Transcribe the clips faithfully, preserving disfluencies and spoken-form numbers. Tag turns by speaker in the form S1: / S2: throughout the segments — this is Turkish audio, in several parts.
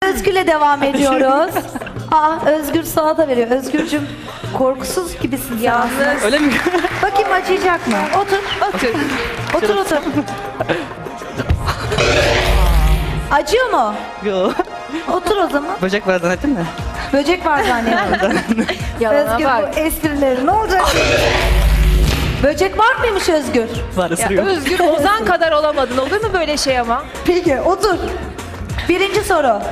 S1: Özgür'le devam ediyoruz. Aa, Özgür sana da veriyor. Özgürcüm korkusuz gibisin sen.
S2: Yalnız.
S3: Öyle mi?
S1: Bakayım acıyacak mı? Otur.
S2: Otur.
S1: Otur otur. Acıyor mu?
S3: Yo.
S1: Otur o zaman.
S3: Böcek var zannettin mi?
S1: Böcek var zannediyorum.
S2: Yalana
S1: Özgür
S2: bak.
S1: bu esprileri ne olacak? Böcek var mıymış Özgür?
S3: Var
S2: Ya
S3: ısırıyor.
S2: Özgür Ozan kadar olamadın. Olur mu böyle şey ama?
S1: Peki otur. Birinci soru.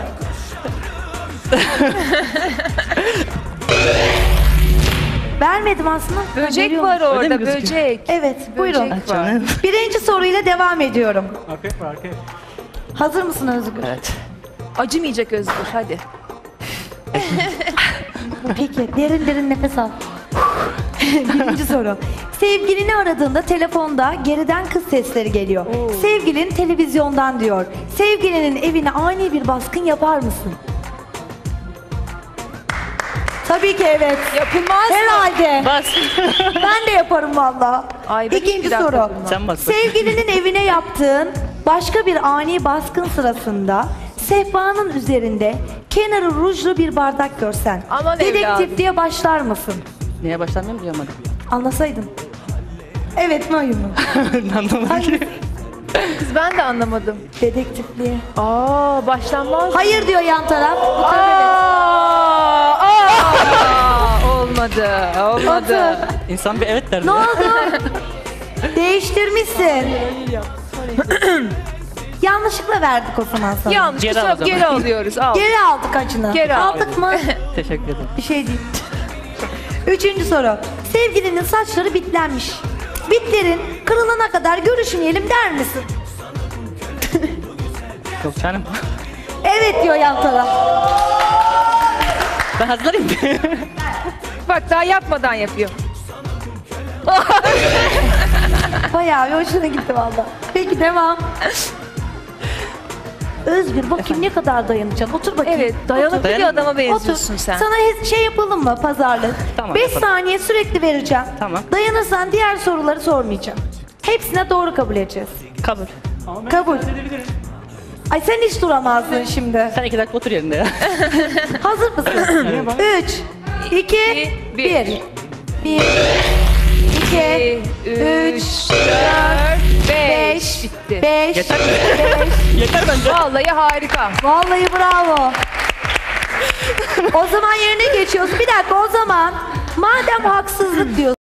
S1: Vermedim aslında.
S2: Böcek
S1: Veriyorum.
S2: var orada,
S3: mi gözüküyor?
S2: böcek.
S1: Evet, buyurun.
S2: Böcek var.
S3: Canım.
S1: Birinci soruyla devam ediyorum.
S4: Arkaya var arkaya.
S1: Hazır mısın Özgür?
S3: Evet.
S2: Acımayacak Özgür, hadi.
S1: Peki, derin derin nefes al. Birinci soru. Sevgilini aradığında telefonda geriden kız sesleri geliyor.
S2: Oo.
S1: Sevgilin televizyondan diyor. Sevgilinin evine ani bir baskın yapar mısın? Tabii ki evet.
S2: Yapılmaz mı?
S1: Herhalde.
S3: Bas.
S1: Ben de yaparım valla.
S2: Ay, ben
S1: İkinci
S2: hiçbir dakika
S1: soru.
S2: yapamam.
S3: Sen bas.
S1: Sevgilinin evine yaptığın başka bir ani baskın sırasında sehpanın üzerinde kenarı rujlu bir bardak görsen
S2: Aman
S1: dedektifliğe başlar mısın?
S3: Niye başlamıyorum duyamadım.
S1: Anlasaydın. Evet mi hayır mı?
S3: Anlamadım ki.
S2: Kız ben de anlamadım.
S1: Dedektifliğe.
S2: Aa, başlanmaz.
S1: Hayır diyor yan taraf. Bu taraf
S2: Aa, aa, olmadı,
S1: evet.
S2: olmadı.
S1: Otur.
S3: İnsan bir evet der.
S1: Ne oldu? Değiştirmişsin. Yanlışlıkla verdik o zaman sana.
S2: Yanlış,
S3: Geri
S2: geri,
S3: al o zaman.
S2: geri alıyoruz, al.
S1: Geri aldık acını.
S2: Geri aldık.
S1: aldık mı?
S3: Teşekkür ederim.
S1: Bir şey değil. Üçüncü soru. Sevgilinin saçları bitlenmiş. Bitlerin kırılana kadar görüşmeyelim der misin?
S3: Yok canım.
S1: Evet diyor yan taraf.
S3: Ben hazırlayayım.
S2: Bak daha yapmadan yapıyor.
S1: Bayağı bir hoşuna gitti valla. Peki devam. Özgür bakayım ne kadar dayanacaksın. Otur bakayım.
S2: Evet, dayanıklı bir
S3: Dayanıklı.
S2: adama benziyorsun
S1: Otur.
S2: sen.
S1: Sana he- şey yapalım mı pazarlık?
S3: Tamam,
S1: Beş
S3: yapalım.
S1: saniye sürekli vereceğim.
S3: Tamam.
S1: Dayanırsan diğer soruları sormayacağım. Hepsine doğru kabul edeceğiz.
S3: Kabul.
S4: Ama ben
S1: Kabul.
S4: müsaade edebilirim.
S1: Ay sen hiç duramazdın şimdi.
S3: Sen iki dakika otur yerinde ya.
S1: Hazır mısın? Üç, iki,
S2: bir.
S1: bir. Bir, iki, üç,
S2: dört, beş.
S1: beş,
S2: Bitti.
S1: beş,
S3: Yeter.
S1: beş.
S3: Yeter bence.
S2: Vallahi harika.
S1: Vallahi bravo. O zaman yerine geçiyoruz. Bir dakika o zaman madem haksızlık diyorsun.